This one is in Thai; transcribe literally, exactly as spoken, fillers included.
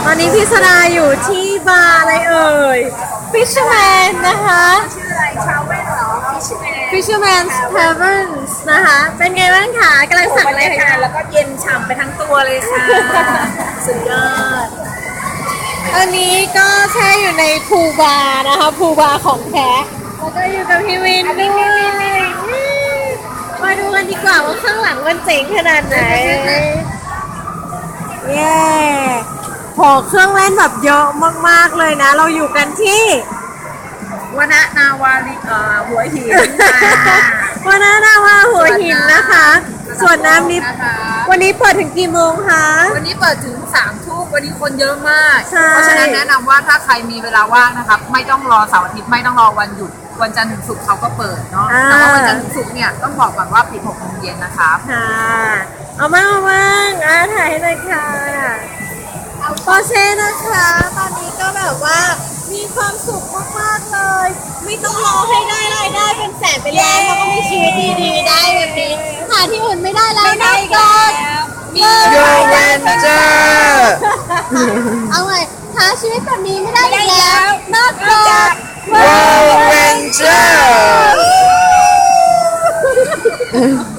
อนนี้พี่สดาอยู่ที่บาร์อะไรเอ่ย Fisherman นะคะชื่ออะไรชาวเว่นเหรอ Fisherman's Taverns นะคะ เป็นไงบ้างคะกำลังสั่งบรอะไรรยากาศคะแล้วก็เย็นฉ่ำไปทั้งตัวเลยค่ะ สุดยอดอันนี้ก็แช่อยู่ในพูลบาร์นะคะพูลบาร์ของแท้แล้วก็อยู่กับพี่วินด้วยมาดูกันดีกว่าว่าข้างหลังมันเจ๋งขนาดไหน เย้โหเครื่องเล่นแบบเยอะมากๆเลยนะ เราอยู่กันที่วนะนาวาลิเอ่อหัวหินวานานาวาหัวหินนะคะ ส่วนน้ำนี้นะคะวันนี้เปิดถึงกี่โมงคะวันนี้เปิดถึงสามทุ่มวันนี้คนเยอะมากใช่เพราะฉะนั้นแนะนำว่าถ้าใครมีเวลาว่างนะครับ ไม่ต้องรอเสาร์อาทิตย์ไม่ต้องรอวันหยุดวันจันทร์ถึงศุกร์เขาก็เปิดเนาะแต่ว่าวันจันทร์ถึงศุกร์เนี่ยต้องบอกก่อนว่าปิดหกโมงเย็นนะครับค่ะ เอามาเอามาอ่าถ่ายให้หน่อยค่ะปอเช่นะคะ ตอนนี้ก็แบบว่ามีความสุขมากๆเลย ไม่ต้องรอให้ได้รายได้เป็นแสนเป็นล้านแล้วก็มีชีวิตดีๆได้แบบนี้หาที่อื่นไม่ได้แล้วนะก็มี Yo Ranger เอาไงหาชีวิตแบบนี้ไม่ได้อีกแล้วนอกจาก Yo Ranger